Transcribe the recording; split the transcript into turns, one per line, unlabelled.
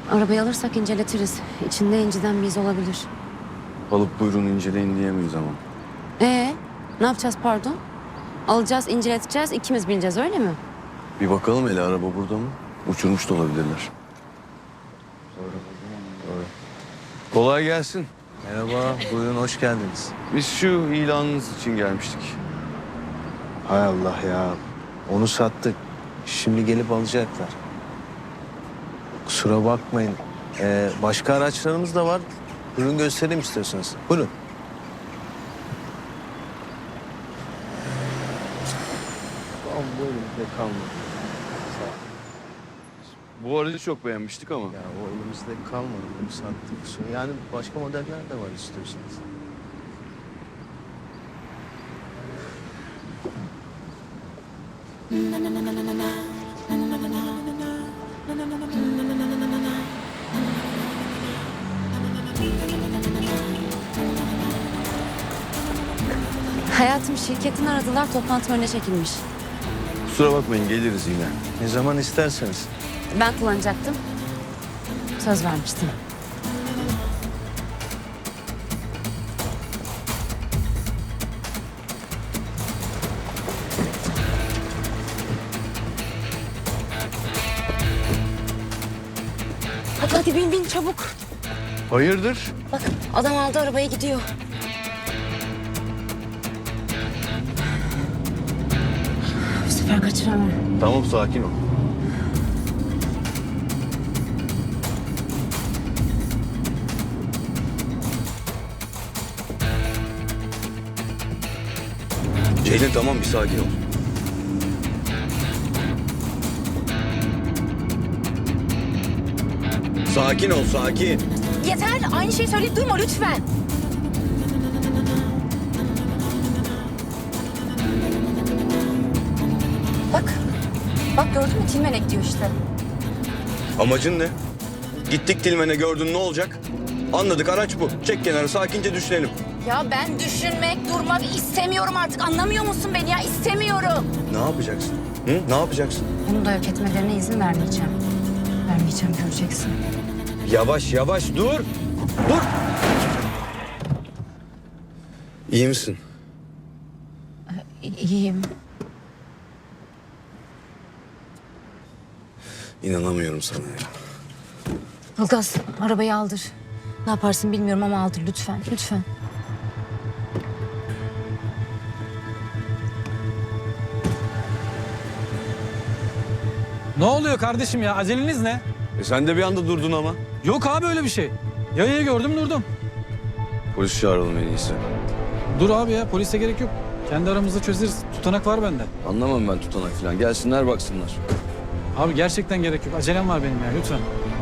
Arabayı alırsak inceletiriz. İçinde inciden bir iz olabilir.
Alıp buyurun inceleyin diyemeyiz ama.
Ne yapacağız pardon? Alacağız, inceleteceğiz, ikimiz bineceğiz öyle mi?
Bir bakalım hele araba burada mı? Uçurmuş da olabilirler. Doğru. Kolay gelsin.
Merhaba, buyurun hoş geldiniz.
Biz şu ilanınız için gelmiştik.
Hay Allah ya, onu sattık. Şimdi gelip alacaklar. Kusura bakmayın. Başka araçlarımız da var. Buyurun göstereyim istiyorsanız. Buyurun. Tamam, buyurun. Ne kalmadı.
Bu aracı çok beğenmiştik ama.
Ya o elimizde kalmadı. Bunu sattık. Yani başka modeller de var istiyorsanız.
Hayatım şirketin aradılar, toplantı önüne çekilmiş.
Kusura bakmayın geliriz yine.
Ne zaman isterseniz.
Ben kullanacaktım. Söz vermiştim. Hadi bin çabuk.
Hayırdır?
Bak adam aldı arabayı gidiyor. Bu sefer kaçıramam.
Tamam sakin ol. Ceylin tamam bir sakin ol. Sakin ol sakin.
Yeter aynı şeyi söyleyip durma lütfen. Bak gördün mü Tilmenek diyor işte.
Amacın ne? Gittik Tilmen'e gördün ne olacak? Anladık araç bu. Çek kenara sakince düşünelim.
Ya ben düşünmek, durmak istemiyorum artık. Anlamıyor musun beni ya? İstemiyorum.
Ne yapacaksın? Hı? Ne yapacaksın?
Bunu da yok etmelerine izin vermeyeceğim. Vermeyeceğim göreceksin.
Yavaş yavaş dur. Dur. İyi misin?
İyiyim.
İnanamıyorum sana ya.
Ilgaz arabayı aldır. Ne yaparsın bilmiyorum ama aldır lütfen. Lütfen.
Ne oluyor kardeşim ya? Aceleniz ne?
Sen de bir anda durdun ama.
Yok abi öyle bir şey. Yayayı gördüm durdum.
Polis çağıralım en iyisi.
Dur abi ya polise gerek yok. Kendi aramızda çözeriz. Tutanak var bende.
Anlamam ben tutanak falan. Gelsinler baksınlar.
Abi gerçekten gerek yok. Acelem var benim ya lütfen.